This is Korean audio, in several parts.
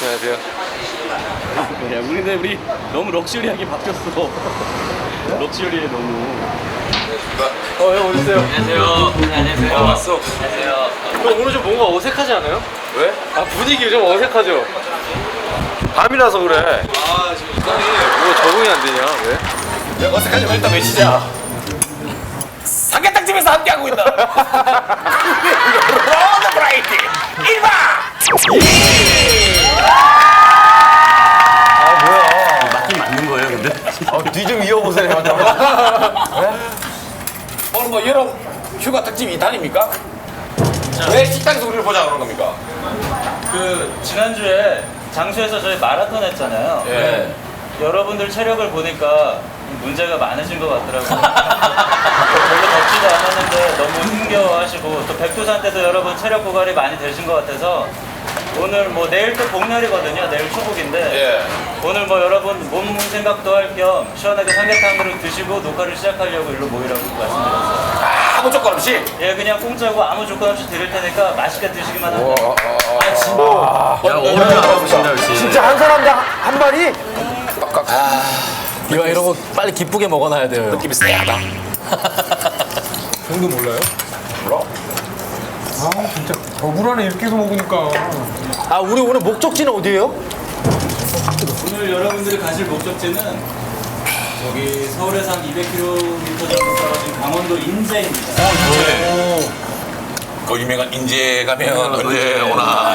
안녕하세요. 야, 우리 너무 럭셔리하게 바뀌었어. 럭셔리해 너무. 형 어딨어요? 안녕하세요. 안녕하세요. 왔어. 안녕하세요. 형 오늘 좀 뭔가 어색하지 않아요? 왜? 아 분위기 좀 어색하죠? 밤이라서 그래. 아 지금 이상해. 뭐 적응이 안 되냐? 왜? 야, 어색하지 마. 일단 외치자. 삼계탕집에서 함께하고 있다. 로드 브라이티 1박. 아 뭐야? 맞긴 맞는 거예요, 근데. 뒤 좀 이어보세요. 오늘 뭐 여름 휴가 특집 2탄입니까? 왜 식당에서 우리를 보자 그런 겁니까? 그 지난주에 장수에서 저희 마라톤 했잖아요. 예. 여러분들 체력을 보니까 문제가 많으신 것 같더라고요. 별로 덥지도 않았는데 너무 힘겨워하시고 또 백두산 때도 여러분 체력 고갈이 많이 되신 것 같아서 오늘 뭐 내일 또 복날이거든요. 내일 초복인데 예. 오늘 뭐 여러분 몸 생각도 할 겸 시원하게 삼계탕으로 드시고 녹화를 시작하려고 일로 모이라고 말씀드렸어요. 아무 조건 없이. 예, 그냥 공짜고 아무 조건 없이 드릴 테니까 맛있게 드시기만 하면 돼요. 야, 오늘 알아보신다 역시. 진짜 한 사람당 한 마리? 이거 이런 거 빨리 기쁘게 먹어놔야 돼요. 느낌이 쎄하다. 형도 몰라요? 몰라? 아 진짜 더불어네 이렇게 해서 먹으니까. 아 우리 오늘 목적지는 어디예요? 오늘 여러분들이 가실 목적지는 저기 서울에서 한 200km 정도 떨어진 강원도 인제입니다. 그 유명한 인제 가면 언제 오나.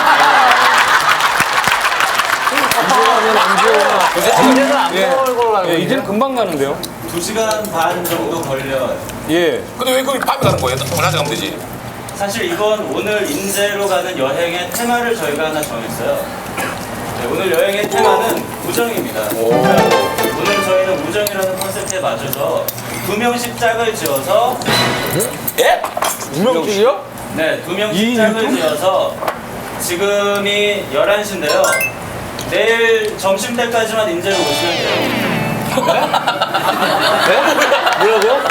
이제는 안 먹을 걸로 알고 예, 있는데. 이제는 금방 가는데요. 2시간 반 정도 걸려요. 예. 근데 왜 거기 밤에 가는 거예요? 낮에 가면 되지. 사실 이건 오늘 인제로 가는 여행의 테마를 저희가 하나 정했어요. 네, 오늘 여행의 테마는 우정입니다. 오늘 저희는 우정이라는 컨셉트에 맞춰서 2명씩 짝을 지어서 예? 운명길이요? 네, 2명씩 짝을 지어서 지금이 11시인데요. 내일 점심 때까지만 인제로 오시면 돼요. 뭐라고요?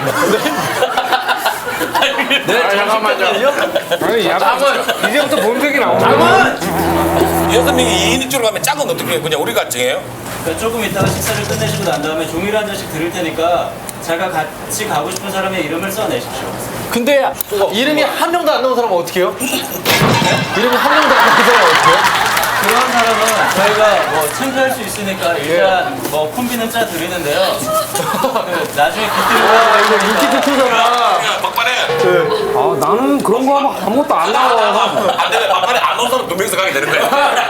네, 잠깐만요. 아니 약간 이제부터 본색이 나오네. 6명이 2인 1조로 가면 짝은 어떻게 그냥 우리가 정해요? 그러니까 조금 이따가 식사를 끝내시고 난 다음에 종이를 한 장씩 드릴 테니까 제가 같이 가고 싶은 사람의 이름을 써내십시오. 근데 이름이 한 명도 안 나온 사람은 어떻게 해요? 이름이 한 명도 안 나온 사람은 어떻게 해요? 그런 사람은 저희가 뭐 창피할 수 있으니까 일단 뭐 콤비는 짜 드리는데요. 그 나중에 이거 깃들고 인기 투표잖아. 야, 막판에. 아 나는 그런 거 하면 아무것도 안 나와. 안 되면 막판에 안 온 사람 2명이서 가게 되는 거야.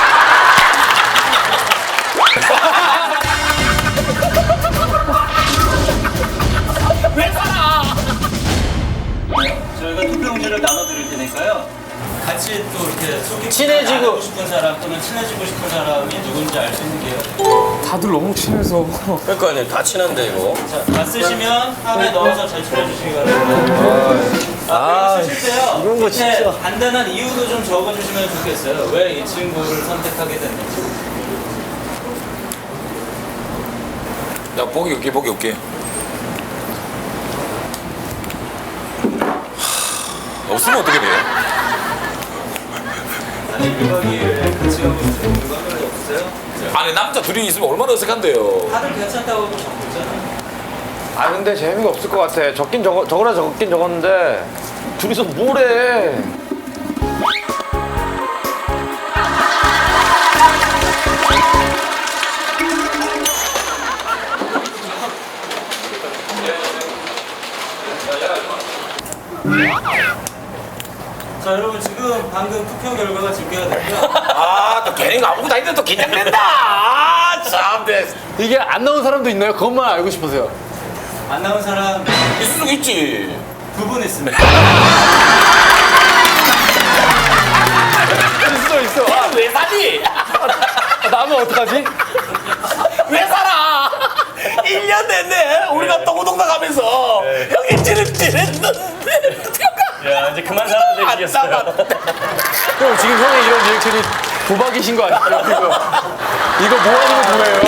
저희가 투표용지를 나눠드릴 테니까요. 같이 또 이렇게 소개 친해지고 싶은 사람 또는 친해지고 싶은 사람이 누군지 알 수 있는 게요. 다들 너무 친해서. 그러니까 다 친한데 이거. 자, 다 쓰시면 함에 넣어서 제출해 주시기 바랍니다. 그리고 쓰실 때요. 이런 거 밑에 진짜. 간단한 이유도 좀 적어주시면 좋겠어요. 왜 이 친구를 선택하게 됐는지. 야, 보기 없게, 보기 없게. 없으면 어떻게 돼요? 아니 1박 2일 같이 가고 싶은 누가 한 명이 없으세요? 아니, 남자 둘이 있으면 얼마나 어색한데요. 다들 괜찮다고 적고 있잖아요. 아 근데 재미가 없을 것 같아. 적으라 적긴 적었는데 둘이서 뭘 해? 자 여러분 지금 방금 투표 결과가 집계가 됐고요. 아, 또 괜히 아무것도 아닌데 또 긴장된다. 아, 참. 네. 이게 안 나온 사람도 있나요? 그것만 알고 싶어서요. 안 나온 사람 있을 수 있지. 2분 있습니다. 있어. 아, 왜 사니? 나면 어떡하지? 왜 살아? 1년 내내 우리가 똥우동 나가면서 형이 찌릿찌릿했는데. 야 이제 그만 살아야 되시겠어요. 형 지금 형의 이런 리액션이 도박이신 거 아니에요? 이거 뭐 하는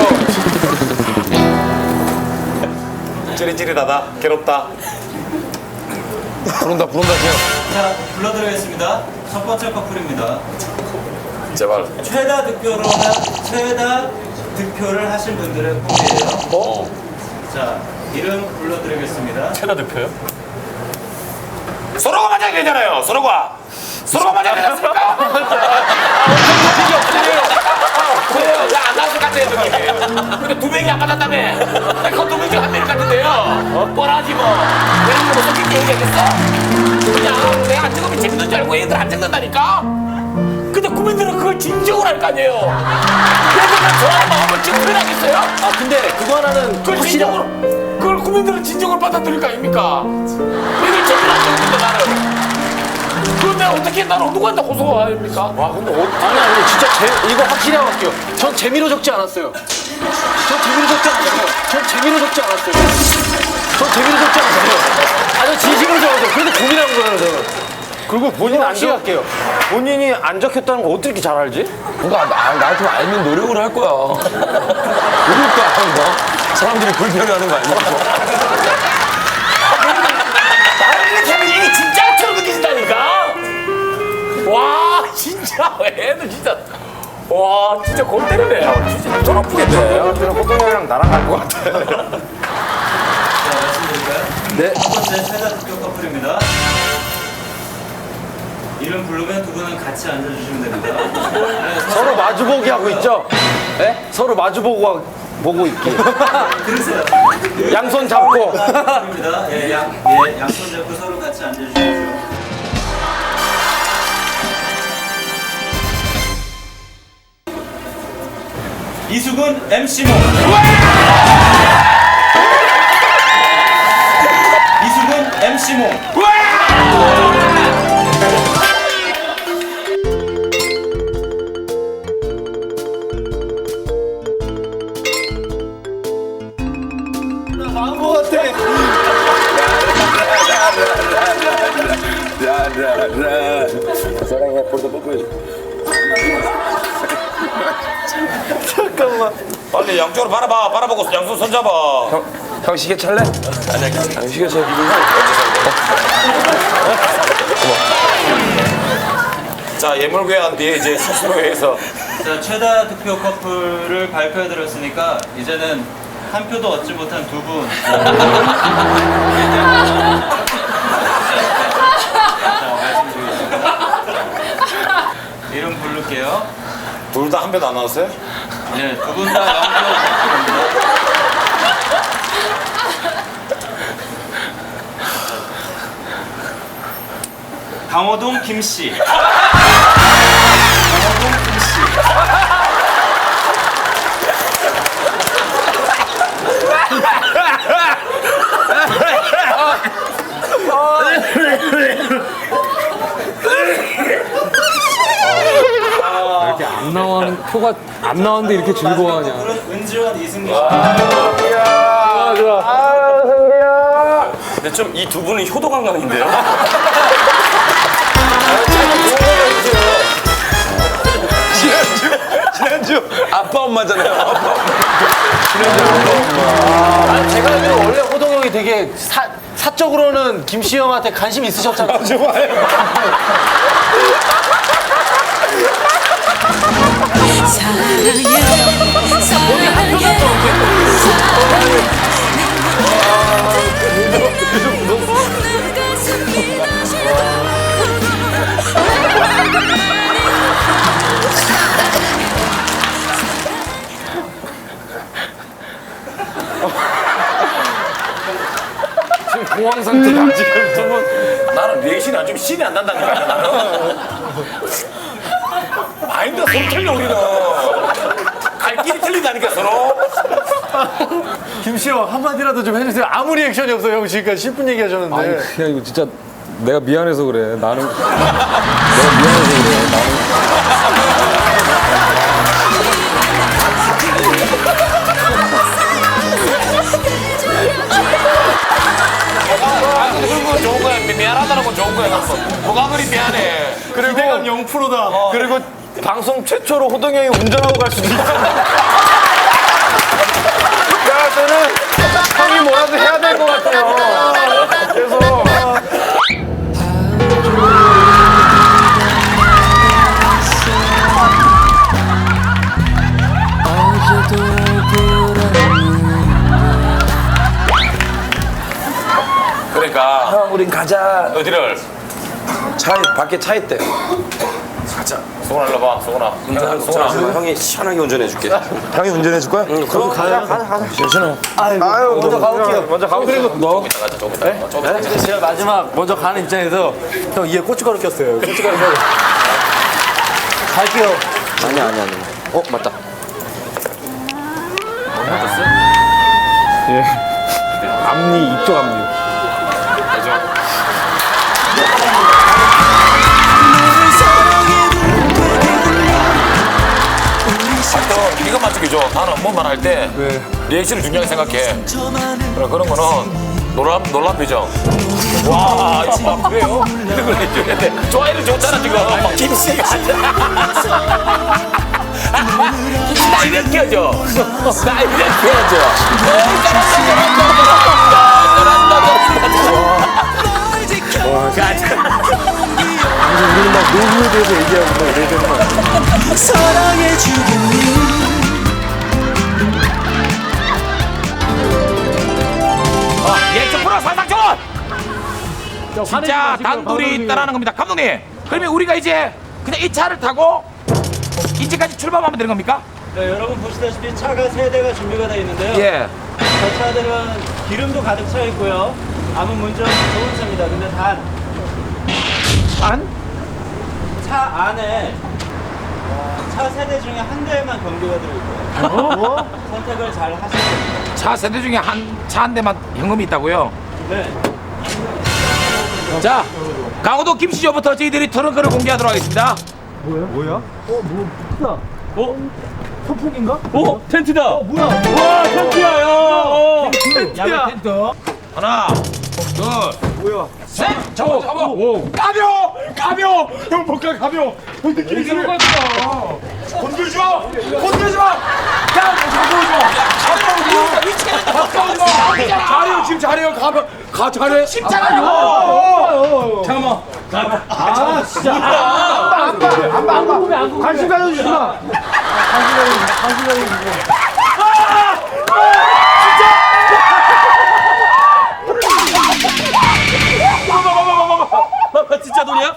거예요? 찌릿찌릿하다. 괴롭다. 부른다, 그냥. 자 불러드리겠습니다. 첫 번째 커플입니다. 제발. 최다 득표를 하신 분들의 꿈이에요. 자, 이름 불러드리겠습니다. 최다 득표요? 서로가 맞아야 되잖아요. 서로가 맞아야 되지 않습니까? 안 나왔을 것 같아요, 느낌이. 근데 두 명이 안 맞았다며. 그거 두 명이 한 명 같은데요. 뻔하지 뭐. 내가 뭐 섞인 게 얘기하겠어? 그냥 내가 안 찍으면 재밌는 줄 알고 얘들 안 찍는다니까? 근데 국민들은 그걸 진정을 할 거 아니에요. 그래서 저의 마음을 지금 표현하겠어요? 아 근데 그거 하나는 그걸 진정으로, 그걸 국민들은 진정을 받아들일 거 아닙니까? 얘들 제대로 안 찍는데 나는. 그럼 내가 어떻게 나는 누구한테 고소합니까? 와 근데 아니 진짜 이거 확실히 하고 갈게요. 전 재미로 적지 않았어요. 전 재미로 적지 않았어요. 전 재미로 적지 않았어요. 아저 진심으로 적었어요. 그래도 고민한 거예요 저는. 그리고 본인 안 확실히 할게요. 본인이 안 적혔다는 거 어떻게 잘 알지? 그러니까 나한테 알면 노력을 할 거야. 노력도 안 한다. 사람들이 불편해하는 거 아니야? 나는 이렇게 하면 이게 진짜처럼 느껴진다니까? 와, 진짜. 애들 진짜. 와, 진짜 골 때리네. 진짜 돈 아프겠네. 저는 호동이 형이랑 나랑 갈 것 같아. 자, 말씀드릴까요? 네. 첫 번째 최다 득표 커플입니다. 이름 부르면 두 분은 같이 앉아주시면 됩니다. 네, 서로 마주보기 하고 있죠? 네? 서로 보고 있기. 들으세요. 양손 잡고. 부릅니다. 양손 잡고 서로 같이 앉아주십시오. 이수근 MC몽. 이수근 MC몽. 빨리 양쪽으로 바라보고 양손 손잡아. 형 시계 찰래? 아니 시계 찰. 자, 예물괴한 뒤에 이제 스스로에서 자, 최다 득표 커플을 발표해드렸으니까 이제는 한 표도 얻지 못한 두 분. 자, 말씀드리겠습니다. 이름 부를게요. 둘 다 한 표도 안 나왔어요? 네, 두 분 다 0표. 강호동 김씨. 강호동 김씨. 이렇게 안 나오는 표가 안 나왔는데 이렇게 즐거워하냐. 그런 은지원 이승기 씨. 근데 좀 이 두 분은 효도 관광인데요? 지난주 아빠 엄마잖아요. 아, 제가 알기로 원래 호동 형이 되게 사적으로는 김씨 형한테 관심 있으셨잖아요. 지금 공황 상태다 지금 두 분. 나는 리액션이 안 좀 신이 안 난다니까. 나는 마인드가 서로 틀려 우리는. 갈 길이 틀린다니까 서로. 김씨 형 한마디라도 좀 해주세요. 아무 리액션이 없어요. 형 지금까지 10분 얘기하셨는데. 아니 그냥 이거 진짜 내가 미안해서 그래. 내가 미안해서 그래. 그건 좋은 거야. 미안하다는 건 좋은 거야. 뭐가 그리 미안해. 그리고 기대감 0%다. 그리고 방송 최초로 호동이 형이 운전하고 갈 수도 있어. 내가 때는 형이 뭐라도 해야 될 것 같아요. 그래서 있으니까. 형, 우린 가자. 어디를? 밖에 차 있대. 가자. 소원아 일로 봐. 소원아. 소원아, 형이 시원하게 운전해줄게. 형이 운전해 줄 거야? 응, 그럼 가자. 아유, 먼저 가볼게요. 먼저 가볼게요. 조금 이따 가자. 조금 이따. 조금 이따 가자. 제가 마지막 먼저 가는 입장에서 형 이에 고춧가루 꼈어요. 고춧가루 껴. 갈게요. 아니야. 맞다. 앞니 이쪽 앞니. 또 이것만 지켜줘. 나는 업무만 할 때 리액션을 중요하게 생각해. 그런 거는 놀랍 표정. 와, 이거 그래요? 이런 걸 해줘야 돼. 좋아해를 줬잖아, 지금. 김씨가. 나 이렇게 해줘. 나 이렇게 해줘. 우리는 막 노후에 대해서 얘기하고 막 이러잖아. 예측 프로 상상촌! 진짜 단둘이 있다라는 겁니다. 감독님, 그러면 우리가 이제 그냥 이 차를 타고 인제까지 출발하면 되는 겁니까? 네, 여러분 보시다시피 차가 3대가 준비가 되어 있는데요. 예. 저 차들은 기름도 가득 차 있고요. 아무 문제 없는 좋은 차입니다. 근데 차 안에 차 세대 중에 한 대만 경비가 들어있고요. 선택을 잘 하시면 됩니다. 차 세대 중에 차 한 대만 현금이 있다고요? 네. 자, 강호도 김시조부터 저희들이 트렁크를 공개하도록 하겠습니다. 야외 텐트. 하나, 둘, 셋! 잡아! 가벼! 형 뭔가 가벼! 형 느낌이 들어 건들지 마! 가까우지 마! 잘해요, 지금 잘해요. 잘해. 십자가요! 잠깐만. 관심 가져주지 마. 진짜 돈이야?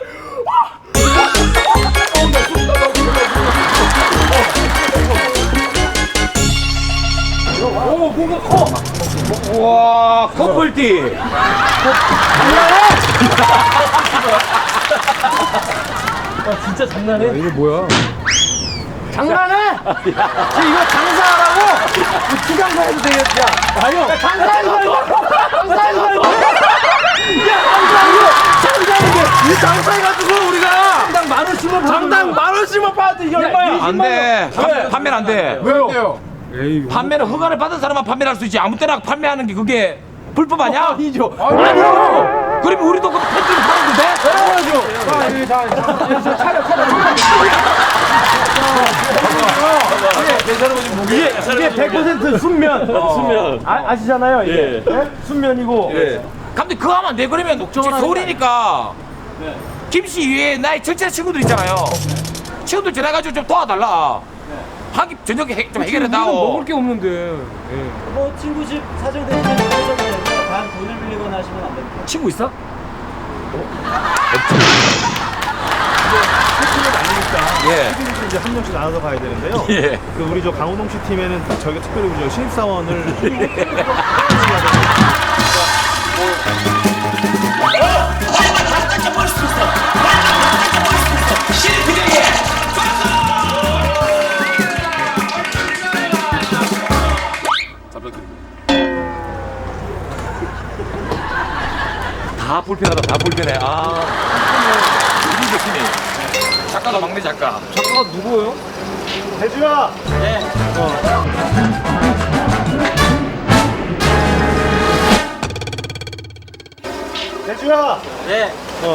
오, 뭔가 커. 와, 커플티. 장난해? 지금 이거 장사하라고? 주장사 해도 되겠지? 아니요. 장사하지 말고. 장사하지 말고. 야, 장사하고. 이 장사해가지고 우리가 장당 만 원씩만 받아도 이게 얼마야? 안 돼. 판매는 안 돼. 왜요? 판매는 허가를 받은 사람만 판매할 수 있지. 아무 때나 판매하는 게 그게 불법 아니야? 아니죠. 아니요. 그러면 우리도 그 팬티를 파는 건데? 이게 100% 순면. 아시잖아요, 이게. 네? 순면이고. 감독님 그거 하면 안 돼. 그러면 서울이니까 김씨 위에 나의 절친한 친구들 있잖아요. 친구들 전화가지고 좀 도와달라. 하기 저녁에 좀 해결해다오. 먹을 게 없는데. 뭐 친구 집 사정 대신에 빌려줘도 되고요. 단 돈을 빌리거나 하시면 안 됩니다. 친구 있어? 예. 이제 한 명씩 나눠서 가야 되는데요. 예. 그 우리 저 강호동 씨 팀에는 저희가 특별히 우리 저 신입사원을 다 불편하다. 다 불편해. 아. 우리 팀이 작가가 막내 작가. 작가가 누구예요? 대주야. 대주야. 네.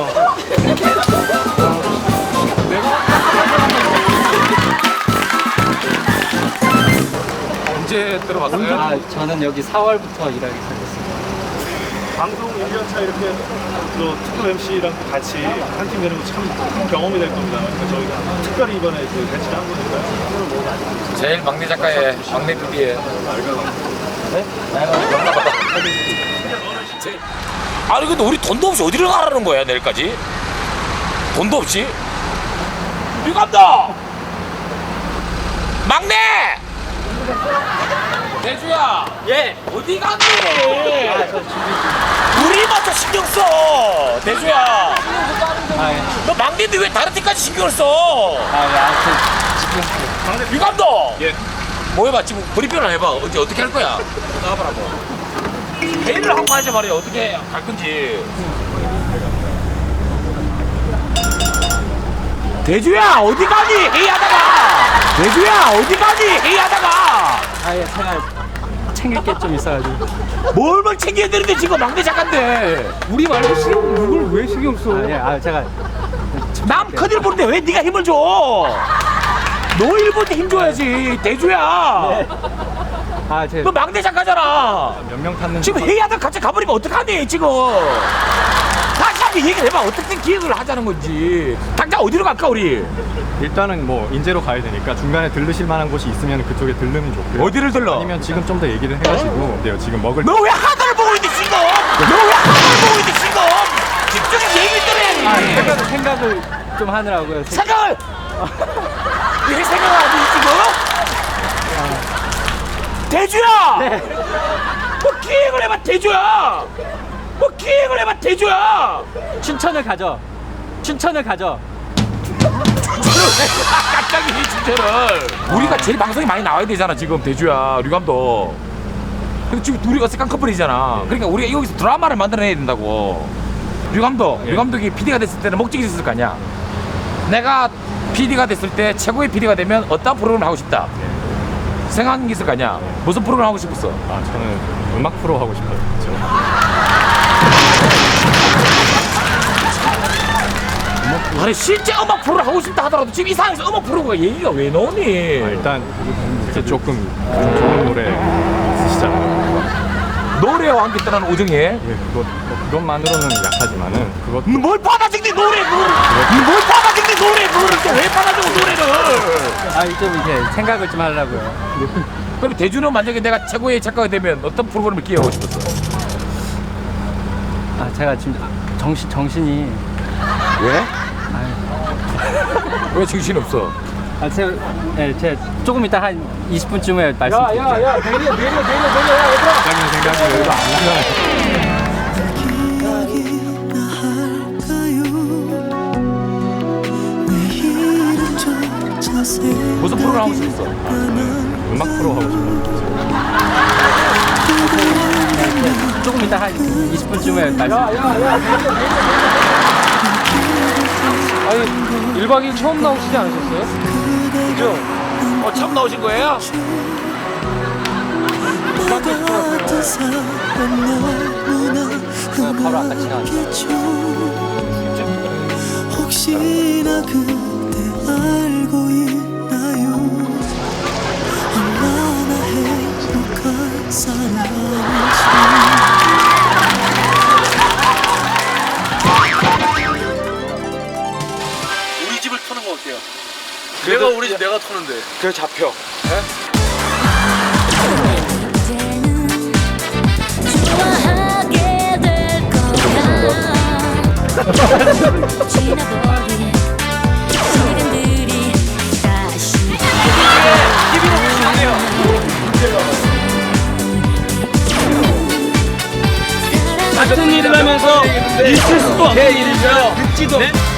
언제 들어왔어요? 저는 여기 4월부터 일하기 시작했습니다. 방송 1년차 이렇게 또 특급 MC랑 같이 한 팀 되는 거 참 경험이 될 겁니다. 그러니까 저희가 특별히 이번에 그 배치를 한 거니까요. 제일 막내 작가의 막내 PD의 아니 근데 우리 돈도 없이 어디를 가라는 거야 내일까지? 돈도 없이? 류 감독! 막내! 대주야. 예. 어디 갔니? 우리만 더 신경 써. 대주야. 너 막내인데 왜 다른 팀까지 신경을 써? 류 감독. 예. 뭐 해봐 지금 브리핑을 해봐. 어떻게 할 거야? 나가봐라고. 회의를 하고 하자 말이야. 어떻게 갈 건지. 대주야 어디 가니? 회의하다가. 대주야 어디 가니? 회의하다가. 아예 제가 챙길 게 좀 있어가지고. 뭘 챙겨야 되는데 지금 막내 작가인데. 우리 말고 누굴 왜 신경 써? 제가 남 큰일 보는데 왜 네가 힘을 줘? 너 일본 힘 줘야지. 대주야. 제 너 막내 작가잖아. 몇 명 탔는지 지금 회의하다가 갑자기 가버리면 어떡하니 지금. 다시 한번 얘기를 해봐. 어떻게 기획을 하자는 건지. 당장 어디로 갈까 우리? 일단은 뭐 인제로 가야 되니까 중간에 들르실 만한 곳이 있으면 그쪽에 들르면 좋고요. 어디를 들러? 아니면 지금 좀 더 얘기를 해가지고 네요 지금 먹을 너 왜 하늘을 보고 있는데 지금? 너 왜 하늘을 보고 있는데 지금? 집중해서 얘기를 들어야지. 생각을 좀 하느라고요. 생각을! 왜 생각을 하지 지금? 대주야! 네. 뭐 기획을 해봐 대주야! 뭐 기획을 해봐 대주야! 춘천을 가죠. 갑자기 이 주제를 우리가 제일 방송이 많이 나와야 되잖아 지금 대주야 류감독. 근데 지금 둘이가 쌍꺼풀이잖아. 그러니까 우리가 여기서 드라마를 만들어내야 된다고. 류감독이 PD가 됐을 때는 목적이 있었을 거 아니야. 내가 PD가 됐을 때 최고의 PD가 되면 어떤 프로그램을 하고 싶다. 생각이 있을 거 아니야. 무슨 프로그램 하고 싶었어? 저는 음악 프로 하고 싶어요. 아니 실제 음악 프로를 하고 싶다 하더라도 지금 이 상황에서 음악 프로가 얘기가 왜 나오니? 일단 이렇게 조금 좋은 노래 있으시잖아요. 노래와 함께 떠나는 우정에 그것만으로는 약하지만은 그것 뭘 받아적니 노래 그거를 뭘 받아적니 노래 그거를 또 왜 받아적어 노래를. 좀 이제 생각을 좀 하려고요. 그럼 대주는 만약에 내가 최고의 작가가 되면 어떤 프로그램을 기획하고 싶었어? 제가 지금 정신이 왜? 왜 정신이 없어? 제가 조금 이따 한 20분쯤에 말씀드릴게요. 내려 생각을 무슨 프로그램 하고 싶었어? 음악 프로 하고 싶어요. 조금 이따 한 20분쯤에 말씀드릴게요. 아니 1박 2일 처음 나오시지 않으셨어요? 그죠? 처음 나오신 거예요? 바로 아까 지나갔어요. 혹시나 그대 알고 있나요? 얼마나 행복한 사람인지. 우리 집을 터는 거 어때요? 내가 우리 집 내가 터는데. 그래 잡혀. 좋아하게 될 거야. 지나버린 시간들이 다시 같은 일을 하면서 있을 수도 없는 일이죠. 듣지도